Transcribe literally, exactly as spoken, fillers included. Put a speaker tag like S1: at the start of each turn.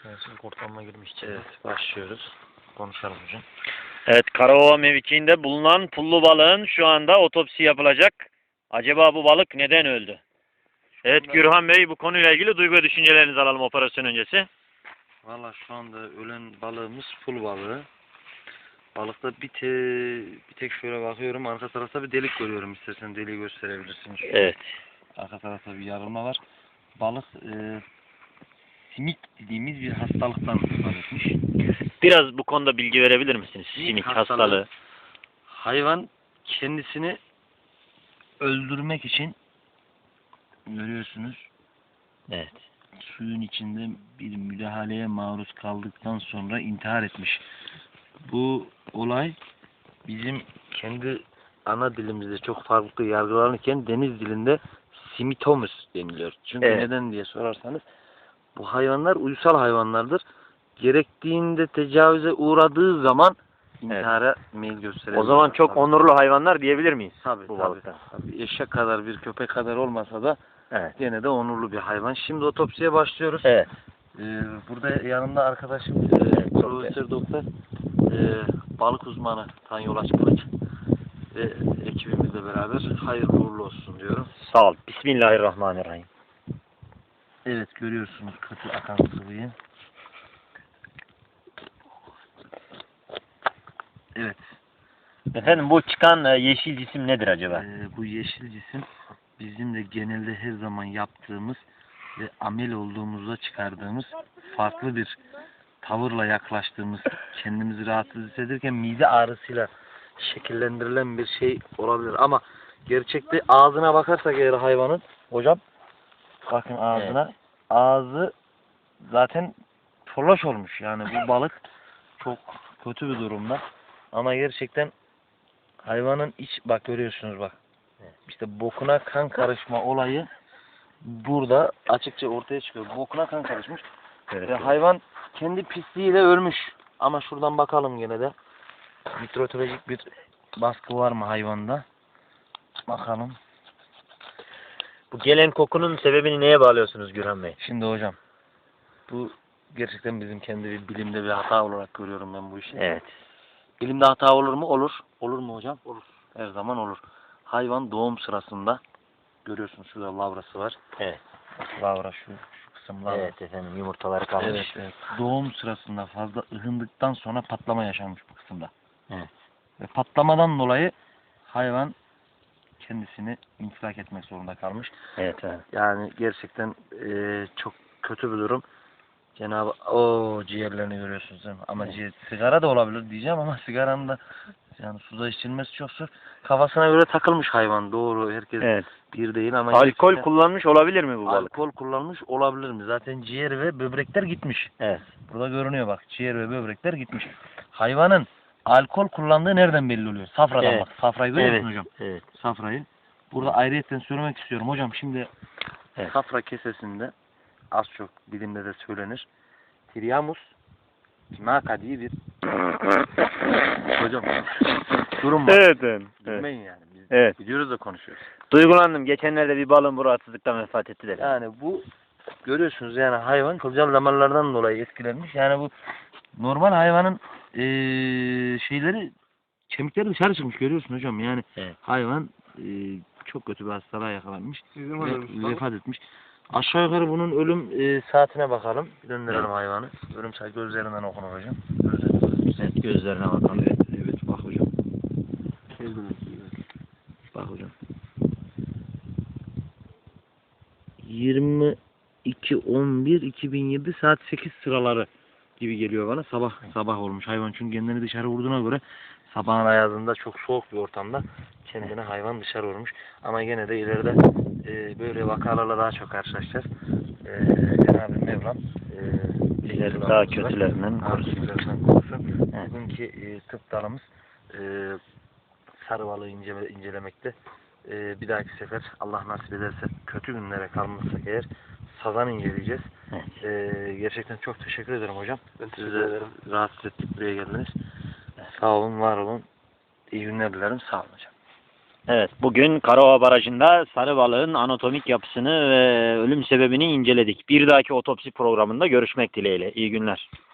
S1: Şimdi kurtarma girmiş içeri.
S2: Evet, başlıyoruz. Konuşalım hocam.
S3: Evet, Karaova mevkiinde bulunan pullu balığın şu anda otopsi yapılacak. Acaba bu balık neden öldü? Evet Gürhan Bey, bu konuyla ilgili duygu ve düşüncelerinizi alalım operasyon öncesi.
S2: Valla şu anda ölen balığımız pul balığı. Balıkta bir, te, bir tek şöyle bakıyorum, arka tarafta bir delik görüyorum. İstersen deliği gösterebilirsin.
S3: Evet.
S2: Arka tarafta bir yarılma var. Balık e, simik dediğimiz bir hastalıktan etmiş.
S3: Biraz bu konuda bilgi verebilir misiniz? Sinik
S2: hastalığı.
S3: hastalığı.
S2: Hayvan kendisini öldürmek için görüyorsunuz.
S3: Evet.
S2: Suyun içinde bir müdahaleye maruz kaldıktan sonra intihar etmiş. Bu olay bizim kendi ana dilimizde çok farklı yargılanırken deniz dilinde simitomus deniliyor. Çünkü
S3: Evet.
S2: neden diye sorarsanız bu hayvanlar uysal hayvanlardır. Gerektiğinde tecavüze uğradığı zaman intihara meyil gösterir.
S3: O zaman çok
S2: tabii.
S3: onurlu hayvanlar diyebilir miyiz?
S2: Tabii,
S3: bu
S2: tabii,
S3: balıktan.
S2: tabii. Eşek kadar bir köpek kadar olmasa da
S3: Evet.
S2: gene de onurlu bir hayvan. Şimdi otopsiye başlıyoruz.
S3: Evet.
S2: Ee, burada yanımda arkadaşım e, Profesör Doktor e, balık uzmanı Tanyo Kılıç ve ekibimizle beraber hayırlı uğurlu olsun diyorum.
S3: Sağ ol. Bismillahirrahmanirrahim.
S2: Evet, görüyorsunuz kötü akan sıvıyı. Evet.
S3: Efendim bu çıkan e, yeşil cisim nedir acaba?
S2: Ee, bu yeşil cisim bizim de genelde her zaman yaptığımız ve amel olduğumuzda çıkardığımız farklı bir tavırla yaklaştığımız, kendimizi rahatsız hissederken mide ağrısıyla şekillendirilen bir şey olabilir. Ama gerçekte ağzına bakarsak eğer hayvanın, hocam bakın ağzına,
S3: Evet.
S2: ağzı zaten tolaş olmuş. Yani bu balık çok kötü bir durumda. Ama gerçekten hayvanın iç, bak görüyorsunuz bak. İşte bokuna kan karışma olayı burada açıkça ortaya çıkıyor. Bokuna kan karışmış.
S3: Evet.
S2: Ve hayvan kendi pisliğiyle ölmüş. Ama şuradan bakalım gene de. Mitrolojik bir baskı var mı hayvanda? Bakalım.
S3: Bu gelen kokunun sebebini neye bağlıyorsunuz Gürhan Bey?
S2: Şimdi hocam, bu gerçekten bizim kendi bir bilimde bir hata olarak görüyorum ben bu işi.
S3: Evet.
S2: Bilimde hata olur mu? Olur. Olur mu hocam? Olur. Her zaman olur. Hayvan doğum sırasında görüyorsunuz şurada lavrası var.
S3: Evet.
S2: Lavra şu, şu kısım lavra.
S3: Evet efendim, yumurtaları kalmış.
S2: Evet, evet. Doğum sırasında fazla ıhındıktan sonra patlama yaşanmış bu kısımda.
S3: Evet.
S2: Ve patlamadan dolayı hayvan kendisini infilak etmek zorunda kalmış.
S3: Evet, evet.
S2: Yani gerçekten e, çok kötü bir durum. Cenab-ı o ciğerlerini görüyorsunuz değil mi? Ama
S3: Evet.
S2: ciğer, sigara da olabilir diyeceğim ama sigaranın da yani suda içilmesi çok zor. Kafasına göre takılmış hayvan. Doğru, herkes
S3: Evet.
S2: bir değil ama
S3: Alkol
S2: gerçekten
S3: kullanmış olabilir mi bu balık?
S2: alkol kullanmış olabilir mi? Zaten ciğer ve böbrekler gitmiş.
S3: Evet.
S2: Burada görünüyor bak. Ciğer ve böbrekler gitmiş. Hayvanın alkol kullandığı nereden belli oluyor? Safradan
S3: Evet.
S2: bak. Safrayı görüyor
S3: Evet.
S2: musun hocam?
S3: Evet.
S2: Safrayı. Burada ayrıyetten söylemek istiyorum. Hocam şimdi
S3: Evet.
S2: safra kesesinde az çok bilimde de söylenir. Triamus Timaka diye bir hocam durum var.
S3: Evet, evet.
S2: Bilmeyin yani. Biz
S3: Evet.
S2: biliyoruz da konuşuyoruz.
S3: Duygulandım. Geçenlerde bir balığın bu rahatsızlıktan vefat etti de.
S2: Yani bu görüyorsunuz yani hayvan kılcal damarlardan dolayı etkilenmiş. Yani bu normal hayvanın eee, şeyleri kemikleri dışarı çıkmış görüyorsun hocam. Yani
S3: Evet.
S2: hayvan eee, çok kötü bir hastalığa yakalanmış
S1: Bizim
S2: ve
S1: ölmüş
S2: vefat etmiş. Aşağı yukarı bunun ölüm eee, saatine bakalım. Bir döndürelim
S3: Evet.
S2: hayvanı. Ölüm saati gözlerinden okunur hocam. Gözlerinden.
S3: Evet, gözlerine bakalım.
S2: Evet, evet bak hocam. Bak hocam. yirmi iki on bir iki bin yedi saat sekiz sıraları gibi geliyor bana. Sabah sabah olmuş hayvan çünkü kendini dışarı vurduğuna göre sabahın ayazında çok soğuk bir ortamda kendini hayvan dışarı vurmuş. Ama gene de ileride e, böyle vakalarla daha çok karşılaşacağız. E, Cenab-ı Mevlam e,
S3: Bizleri daha kötülerinden korusun.
S2: kötülerinden korusun.
S3: Evet.
S2: Bugünkü e, tıp dalımız e, sarı balığı incele, incelemekte. Ee, bir dahaki sefer Allah nasip ederse kötü günlere kalmazsak eğer sazan inceleyeceğiz.
S3: Evet.
S2: Ee, gerçekten çok teşekkür ederim hocam.
S1: Ben teşekkür
S2: Size
S1: ederim.
S2: rahatsız ettik buraya geldiniz. Sağ olun, var olun. İyi günler dilerim. Sağ olun hocam.
S3: Evet, bugün Karaova Barajı'nda sarı balığın anatomik yapısını ve ölüm sebebini inceledik. Bir dahaki otopsi programında görüşmek dileğiyle. İyi günler.